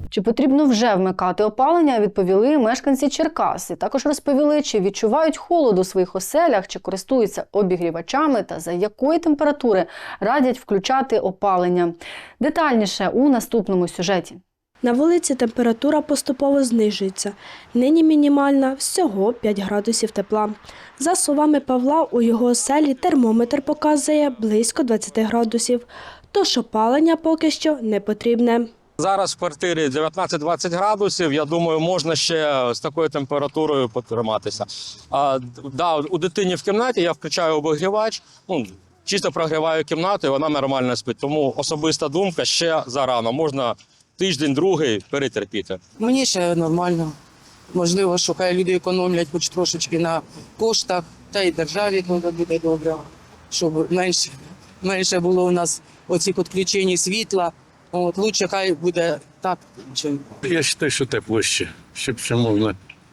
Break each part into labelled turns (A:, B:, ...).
A: Чи потрібно вже вмикати опалення, відповіли мешканці Черкас. І також розповіли, чи відчувають холод у своїх оселях, чи користуються обігрівачами та за якої температури радять включати опалення. Детальніше у наступному сюжеті.
B: На вулиці температура поступово знижується. Нині мінімальна – всього 5 градусів тепла. За словами Павла, у його оселі термометр показує близько 20 градусів. Тож опалення поки що не потрібне.
C: Зараз в квартирі 19-20 градусів, я думаю, можна ще з такою температурою потриматися. У дитині в кімнаті я включаю обігрівач, чисто прогріваю кімнату і вона нормально спить. Тому особиста думка, ще зарано, можна тиждень-другий перетерпіти.
D: Мені ще нормально. Можливо, що хай люди економлять хоч трошечки на коштах, та й державі буде добре, щоб менше було у нас оцих відключень світла. Лучше хай буде так, чим.
E: Я вважаю, що тепло ще, щоб ще можна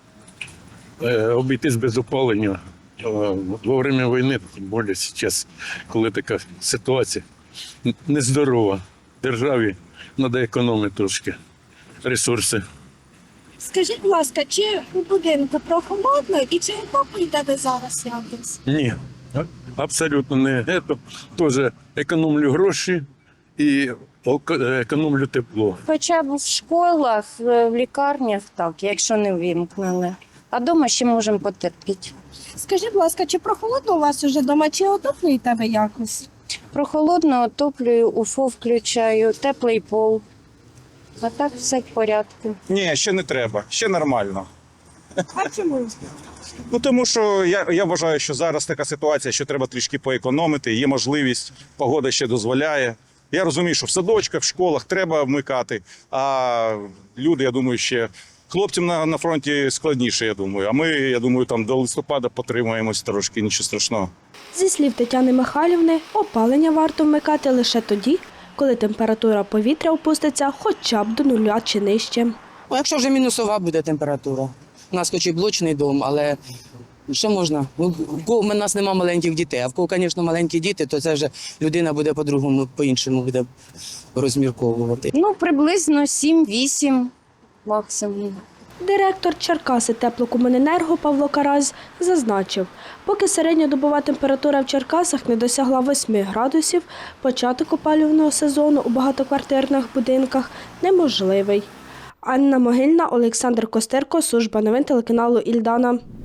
E: обійтись без опалення. Во время війни, тим більше зараз, коли така ситуація нездорова, державі треба економити трошки ресурси.
F: Скажіть, будь ласка, чи у будинку прохолодно і чи опалюєте ви зараз якось?
E: Ні, абсолютно не. Теж економлю гроші і економлю тепло.
G: Хоча б в школах, в лікарнях, так, якщо не вимкнили. А вдома ще можемо потерпіти.
F: Скажіть, будь ласка, чи прохолодно у вас уже вдома, чи отоплюєте ви якось?
G: Прохолодно отоплюю, УФО включаю, теплий пол. А так все в порядку.
H: Ні, ще не треба, ще нормально.
F: А чому?
H: Тому що я вважаю, що зараз така ситуація, що треба трішки поекономити, є можливість, погода ще дозволяє. Я розумію, що в садочках, в школах треба вмикати, а люди, я думаю, ще хлопцям на фронті складніше, я думаю. А ми, я думаю, там до листопада потримаємось трошки, нічого страшного.
B: Зі слів Тетяни Михайлівни, опалення варто вмикати лише тоді, коли температура повітря опуститься хоча б до 0 чи нижче.
D: Якщо вже мінусова буде температура. У нас хоч і блочний дом, але що можна? У нас немає маленьких дітей, а в кого, звісно, маленькі діти, то це вже людина буде по-другому, по-іншому буде розмірковувати.
G: Приблизно 7-8 максимум.
B: Директор Черкаси теплокомуненерго Павло Карась зазначив, поки середньодобова температура в Черкасах не досягла 8 градусів, початок опалювального сезону у багатоквартирних будинках неможливий. Анна Могильна, Олександр Костерко, служба новин телеканалу «Ільдана».